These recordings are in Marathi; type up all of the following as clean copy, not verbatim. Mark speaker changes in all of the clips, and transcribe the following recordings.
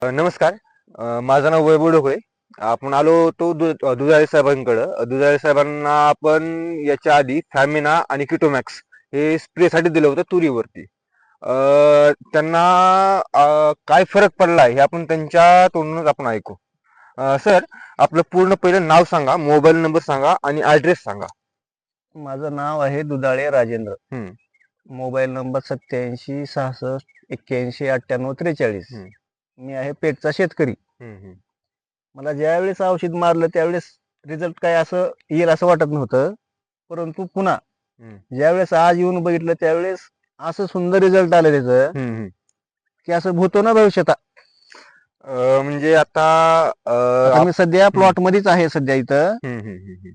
Speaker 1: नमस्कार. माझं नाव वैभव ढोकळे. आपण आलो होतो दुधाळे साहेबांकडं. दुधाळे साहेबांना आपण याच्या आधी फॅमिना आणि किटोमॅक्स हे स्प्रेसाठी दिलं होतं तुरीवरती. अ, त्यांना काय फरक पडला हे आपण त्यांच्या तोंडूनच आपण ऐकू. सर, आपलं पूर्ण पहिलं नाव सांगा, मोबाईल नंबर सांगा आणि ॲड्रेस सांगा.
Speaker 2: माझं नाव आहे दुधाळे राजेंद्र.
Speaker 1: हं,
Speaker 2: मोबाईल नंबर 87 66 81 98 43.
Speaker 1: हं,
Speaker 2: मी आहे पेठचा शेतकरी.
Speaker 1: हं, हं,
Speaker 2: मला ज्यावेळेस औषध मारलं त्यावेळेस रिझल्ट काय असं येईल असं वाटत नव्हतं. परंतु पुन्हा
Speaker 1: हं,
Speaker 2: ज्यावेळेस आज येऊन बघितलं त्यावेळेस असं सुंदर रिझल्ट आलं त्याचं
Speaker 1: हं, हं.
Speaker 2: की असं होतो ना भविष्यात.
Speaker 1: म्हणजे आता
Speaker 2: आता मी सध्या
Speaker 1: हं,
Speaker 2: प्लॉट मध्येच आहे सध्या इथं.
Speaker 1: हं, हं, हं, हं.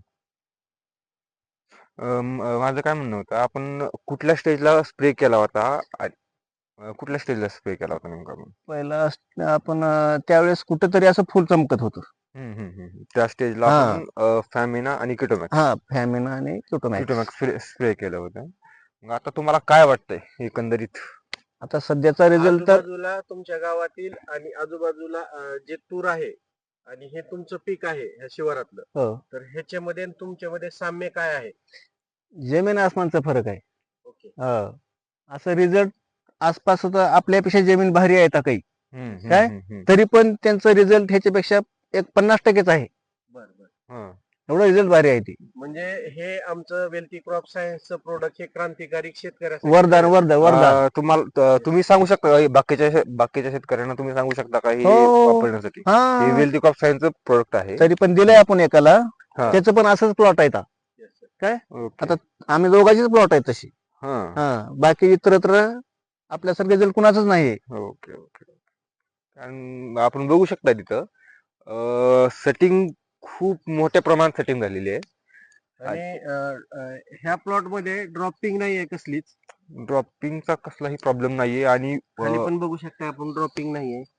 Speaker 1: माझं काय म्हणणं होतं, आपण कुठल्या स्टेजला स्प्रे केला होता कुठल्या स्टेजला स्प्रे केला होता नेमका आपण?
Speaker 2: पहिला आपण त्यावेळेस कुठंतरी असं फुल चमकत होतं.
Speaker 1: त्या स्टेजला
Speaker 2: हा
Speaker 1: आपण फॅमिना आणि किटोमॅक्स
Speaker 2: हा फॅमिना आणि क्युटोमॅक्स.
Speaker 1: किटोमॅक्स स्प्रे केलं होतं. मग आता तुम्हाला काय वाटतंय एकंदरीत?
Speaker 2: आता सध्याचा रिझल्ट तर
Speaker 3: आजूबाजूला तुमच्या गावातील आणि आजूबाजूला जे तूर आहे आणि हे तुमचं पीक आहे ह्या शिवारातलं,
Speaker 2: हो,
Speaker 3: तर ह्याच्यामध्ये आणि तुमच्यामध्ये साम्य काय आहे?
Speaker 2: जमीन आसमानचा फरक आहे.
Speaker 3: ओके.
Speaker 2: हो. असं रिझल्ट आसपास तर आपल्यापेक्षा जमीन भारी आहे आता काही.
Speaker 1: हम्म, हम्म,
Speaker 2: काय?
Speaker 1: हम्म, हम्म.
Speaker 2: तरी पण त्यांचं रिझल्ट ह्याच्यापेक्षा एक 50% आहे.
Speaker 3: बर बर.
Speaker 1: हं.
Speaker 2: एवढं रिझल्ट भारी आहे ती.
Speaker 3: म्हणजे हे आमचं वेल्थी क्रॉप सायन्सचं प्रोडक्ट हे क्रांतिकारी शेतकऱ्यासाठी
Speaker 2: वरदान
Speaker 3: आहे.
Speaker 2: वरदान.
Speaker 1: तुम्ही सांगू शकता का बाकीच्या शेतकऱ्यांना तुम्ही सांगू शकता का हे
Speaker 2: हो.
Speaker 1: वापरण्यासाठी? हे
Speaker 2: हा.
Speaker 1: वेल्दी क्रॉप सायन्सचं प्रोडक्ट आहे.
Speaker 2: तरी पण दिलंय आपण एकाला.
Speaker 1: हा.
Speaker 2: त्याचं पण असंच प्लॉट आहे आता.
Speaker 3: Yes, sir.
Speaker 2: काय?
Speaker 1: ओके.
Speaker 2: आता आम्ही दोघांचीच प्लॉट आहे तशी.
Speaker 1: हा.
Speaker 2: हा. बाकी इतरत्र आपल्यासारखं रिझल्ट कुणाचंच नाहीये.
Speaker 1: Okay, okay. कारण आपण बघू शकता तिथं सेटिंग खूप मोठ्या प्रमाणात सेटिंग झालेली आहे.
Speaker 3: आणि ह्या प्लॉट मध्ये ड्रॉपिंग नाहीये कसलीच.
Speaker 1: ड्रॉपिंगचा कसलाही प्रॉब्लेम नाहीये आणि
Speaker 3: खाली पण बघू शकता आपण ड्रॉपिंग नाहीये.